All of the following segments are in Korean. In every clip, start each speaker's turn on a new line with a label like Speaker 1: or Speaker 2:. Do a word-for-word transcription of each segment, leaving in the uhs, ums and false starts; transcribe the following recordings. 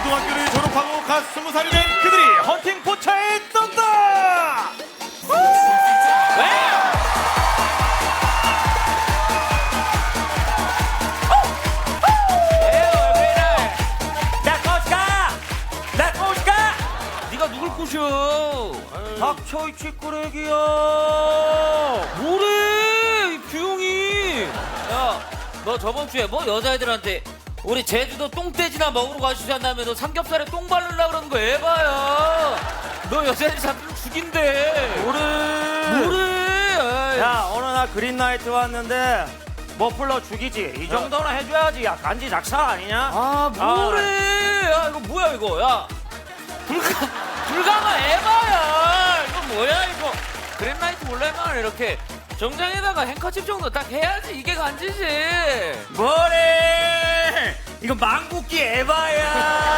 Speaker 1: 고등학교를 졸업하고 갓 스무 살이 된 그들이 헌팅 포차에 떴다.
Speaker 2: 왜? 네가 누굴 꼬셔?
Speaker 3: 닥쳐 이 치꾸레기야.
Speaker 2: 뭐래 이 규용이. 야, 너 저번 주에 뭐 여자애들한테 우리 제주도 똥돼지나 먹으러 가시지 다음에 너 삼겹살에 똥 바르려고 그러는 거 에바야. 너 여자애들 잡히면 죽인대.
Speaker 3: 뭐래?
Speaker 2: 뭐래?
Speaker 3: 야, 어느 날 그린라이트 왔는데 머플러 죽이지. 이 정도는 해줘야지. 야, 간지 작살 아니냐?
Speaker 2: 아, 뭐래? 야, 이거 뭐야 이거? 야, 불가 불가마 에바야. 이거 뭐야 이거? 그린라이트 몰래만 이렇게 정장에다가 행커칩 정도 딱 해야지 이게 간지지.
Speaker 3: 뭐래? 이거 망국기 에바야.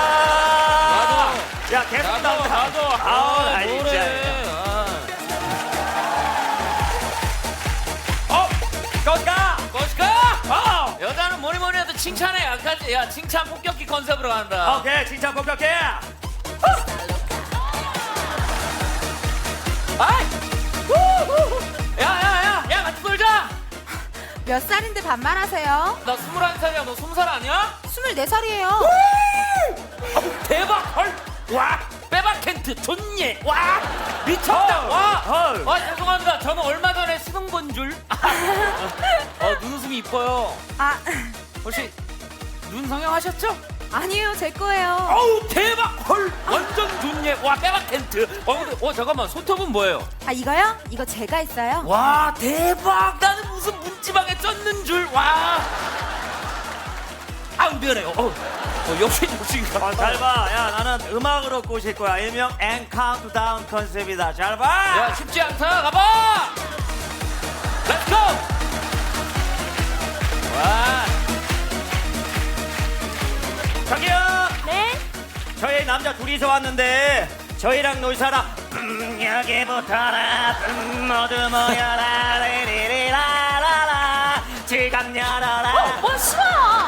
Speaker 2: 나도.
Speaker 3: 야, 계속
Speaker 2: 나도
Speaker 3: 나온다.
Speaker 2: 나도.
Speaker 3: 아우,
Speaker 2: 아,
Speaker 3: 나 진짜.
Speaker 2: 뭐래? 아.
Speaker 3: 어, 거기 가.
Speaker 2: 거시가.
Speaker 3: 어.
Speaker 2: 여자는 뭐니 뭐니 해도 칭찬에 약하지. 야, 칭찬 폭격기 컨셉으로 간다.
Speaker 3: 오케이, 진짜 복격해.
Speaker 2: 아이! 야야야! 야 같이 놀자!
Speaker 4: 몇 살인데 반말하세요?
Speaker 2: 나 스물한 살이야. 너 스무 살 아니야?
Speaker 4: 스물네 살이에요.
Speaker 2: 어, 대박! 헐! 와! 빼박 캔트 존예! 와! 미쳤다!
Speaker 3: 헐,
Speaker 2: 와!
Speaker 3: 헐.
Speaker 2: 와 죄송합니다. 저는 얼마 전에 수능 본 줄. 어, 눈웃음이 이뻐요.
Speaker 4: 아,
Speaker 2: 혹시 눈 성형하셨죠?
Speaker 4: 아니에요, 제 거예요.
Speaker 2: 어우 대박! 헐! 완전 존예! 와 빼박 캔트! 어 근데 어 잠깐만 손톱은 뭐예요?
Speaker 4: 아, 이거요? 이거 제가 했어요.
Speaker 2: 와 대박! 나는 무슨 문지방에 쪘는 줄. 와! 아우 미안해요. 어, 어 역시 역시인가.
Speaker 3: 아, 잘 봐. 야, 나는 음악으로 꼬실 거야. 일명 앤 카운트다운 컨셉이다. 잘 봐.
Speaker 2: 야 쉽지 않다. 가봐. 렛츠고. 와.
Speaker 3: 저기요.
Speaker 4: 네?
Speaker 3: 저희 남자 둘이서 왔는데 저희랑 놀 사람 음, 여기부터라 음, 모두 모여라 리리리라라라 지갑 열어라.
Speaker 4: 어, 싫어.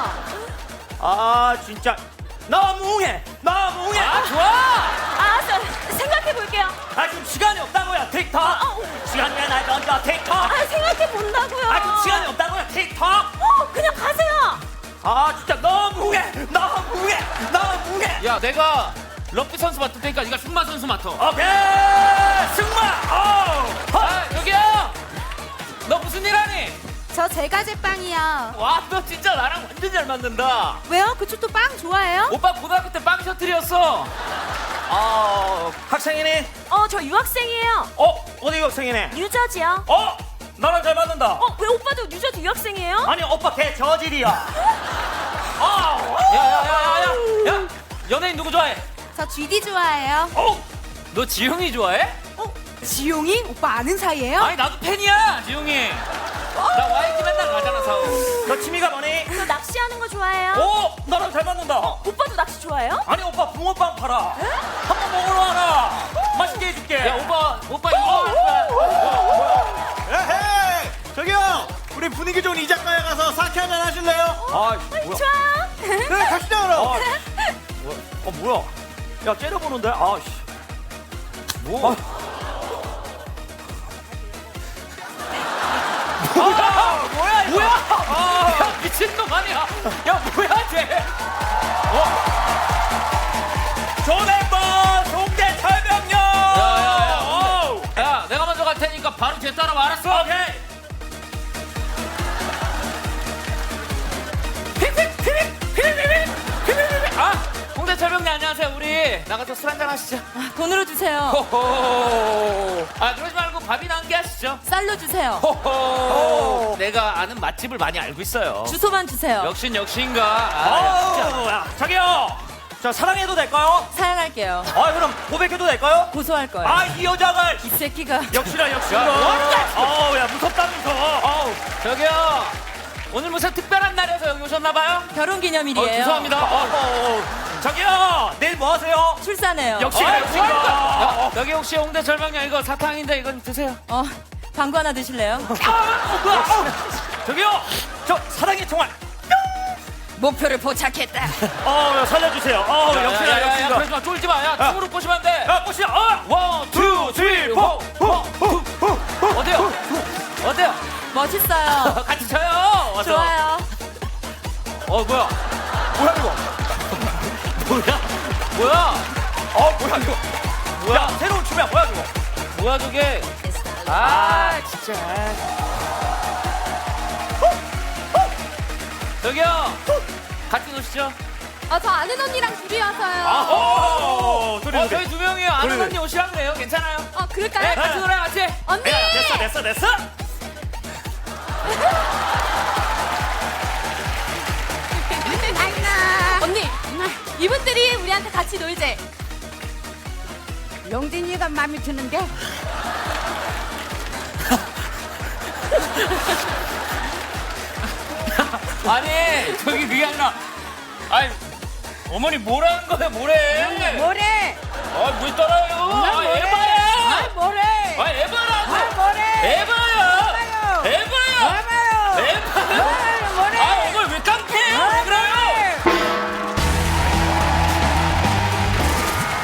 Speaker 3: 아, 진짜 너무해. 너무해.
Speaker 2: 아 좋아.
Speaker 4: 알았어, 생각해 볼게요.
Speaker 3: 아, 지금 시간이 없다고요. 틱톡. 시간이 날 던져 틱톡.
Speaker 4: 아, 생각해 본다고요.
Speaker 3: 아, 지금 시간이 없다고요. 틱톡.
Speaker 4: 어, 그냥 가세요.
Speaker 3: 아, 진짜 너무해. 너무해. 너무해.
Speaker 2: 야 내가 럭비 선수 맡을 테니까 네가 승마 선수 맡아.
Speaker 3: 오케이. 승마. 어.
Speaker 2: 아 여기야. 너 무슨 일 하니?
Speaker 4: 저 제가 제빵이요.
Speaker 2: 와 너 진짜 나랑 완전 잘 맞는다.
Speaker 4: 왜요? 그쪽도 빵 좋아해요?
Speaker 2: 오빠 고등학교 때 빵 셔틀이었어.
Speaker 3: 어, 학생이니?
Speaker 4: 어, 저 유학생이에요.
Speaker 3: 어, 어디 학생이네?
Speaker 4: 뉴저지요.
Speaker 3: 어, 나랑 잘 맞는다.
Speaker 4: 어, 왜 오빠도 뉴저지 유학생이에요?
Speaker 3: 아니, 오빠 걔 저질이야. 아,
Speaker 2: 야야야야야. 야 연예인 누구 좋아해?
Speaker 4: 저 쥐디 좋아해요.
Speaker 2: 어? 너 지용이 좋아해?
Speaker 4: 어, 지용이? 오빠 아는 사이예요?
Speaker 2: 아니 나도 팬이야 지용이. 나 와이키 맨날 가잖아 사우.
Speaker 3: 너 취미가 뭐니?
Speaker 4: 저 낚시하는 거 좋아해요.
Speaker 3: 오, 나랑 잘 맞는다.
Speaker 4: 오빠도 낚시 좋아해요?
Speaker 3: 아니, 오빠 붕어빵 팔아. 한번 먹으러 와라. 맛있게 해줄게.
Speaker 2: 야 오빠 오빠 이거 할 거야.
Speaker 1: 에헤이, 저기요. 우리 분위기 좋은 이 작가에 가서 사케 한잔 하실래요?
Speaker 3: 아, 뭐야?
Speaker 4: 좋아요.
Speaker 1: 그래, 갑시다 그럼.
Speaker 3: 아, 뭐야? 어, 뭐야? 야, 째려보는데? 아, 씨. 뭐?
Speaker 2: 아, 뭐야 이거? 뭐야? 야 미친놈 아니야? 야 뭐야 쟤?
Speaker 3: 조nem버 송대 철병력.
Speaker 2: 야야야.
Speaker 3: 어우.
Speaker 2: 야 내가 먼저 갈 테니까 바로 쟤 따라와. 알았어?
Speaker 3: 오케이.
Speaker 2: 아 홍대 철병님 안녕하세요. 우리 나가서 술 한잔 하시죠.
Speaker 4: 돈으로 주세요.
Speaker 2: 호호. 아 그러지 말고 밥이나 한 개 하시죠.
Speaker 4: 쌀로 주세요.
Speaker 2: 호호. 내가 아는 맛집을 많이 알고 있어요.
Speaker 4: 주소만 주세요.
Speaker 2: 역신 역신가. 아, 진짜.
Speaker 3: 어우, 야, 저기요. 저 사랑해도 될까요?
Speaker 4: 사양할게요.
Speaker 3: 아, 그럼 고백해도 될까요?
Speaker 4: 고소할 거예요.
Speaker 3: 아, 이 여자가
Speaker 4: 이 새끼가.
Speaker 3: 역시나 역시나.
Speaker 2: 야, 뭐하는
Speaker 3: 어우, 야, 무섭다면서. 어우.
Speaker 2: 저기요. 오늘 무슨 특별한 날이어서 여기 오셨나봐요?
Speaker 4: 결혼
Speaker 2: 어,
Speaker 4: 기념일이에요.
Speaker 2: 죄송합니다.
Speaker 3: 어,
Speaker 2: 어,
Speaker 3: 어, 저기요, 내일 뭐 하세요?
Speaker 4: 출산해요.
Speaker 3: 역시
Speaker 2: 어,
Speaker 3: 역시가.
Speaker 2: 야, 여기 혹시 홍대 절방향 이거 사탕인데 이건 드세요.
Speaker 4: 어, 방구 하나 드실래요?
Speaker 3: 저기요, 저 사랑의 총알.
Speaker 4: 목표를 포착했다.
Speaker 3: 어, 살려주세요. 어,
Speaker 2: 야,
Speaker 3: 역시나
Speaker 2: 야, 야, 그러지 마, 쫄지 마. 야, 춤으로 꼬시면 안 돼.
Speaker 1: 야, 꽃이야. 어!
Speaker 2: 원, 투, 쓰리, 포. 어때요? 어때요?
Speaker 4: 멋있어요.
Speaker 2: 같이 쳐요. 어서.
Speaker 4: 좋아요.
Speaker 2: 어, 뭐야?
Speaker 1: 뭐야 이거?
Speaker 2: 뭐야? 뭐야?
Speaker 1: 어, 뭐야 이거?
Speaker 2: 뭐야?
Speaker 1: 야, 새로운 춤이야. 뭐야 이거?
Speaker 2: 뭐야 저게? 아, 진짜. 저기요. 같이 노시죠.
Speaker 5: 아, 저 아는 언니랑 둘이 와서요.
Speaker 1: 아, 어, 소리
Speaker 2: 어,
Speaker 1: 소리.
Speaker 2: 저희 두 명이요. 아는
Speaker 1: 그래.
Speaker 2: 언니 오시라 그래요. 괜찮아요?
Speaker 5: 어,
Speaker 2: 네,
Speaker 5: 그럴까요?
Speaker 2: 같이 놀아요, 같이.
Speaker 5: 언니!
Speaker 1: 야, 됐어, 됐어, 됐어.
Speaker 5: 언니, 이분들이 우리한테 같이 놀재.
Speaker 6: 영진이가 마음에 드는데
Speaker 2: 아니, 저기 그게 아니라. 아니, 어머니 뭐라는 거야, 뭐래?
Speaker 6: 뭐래?
Speaker 2: 아, 뭘 따라요? 아,
Speaker 6: 뭐래?
Speaker 2: 에바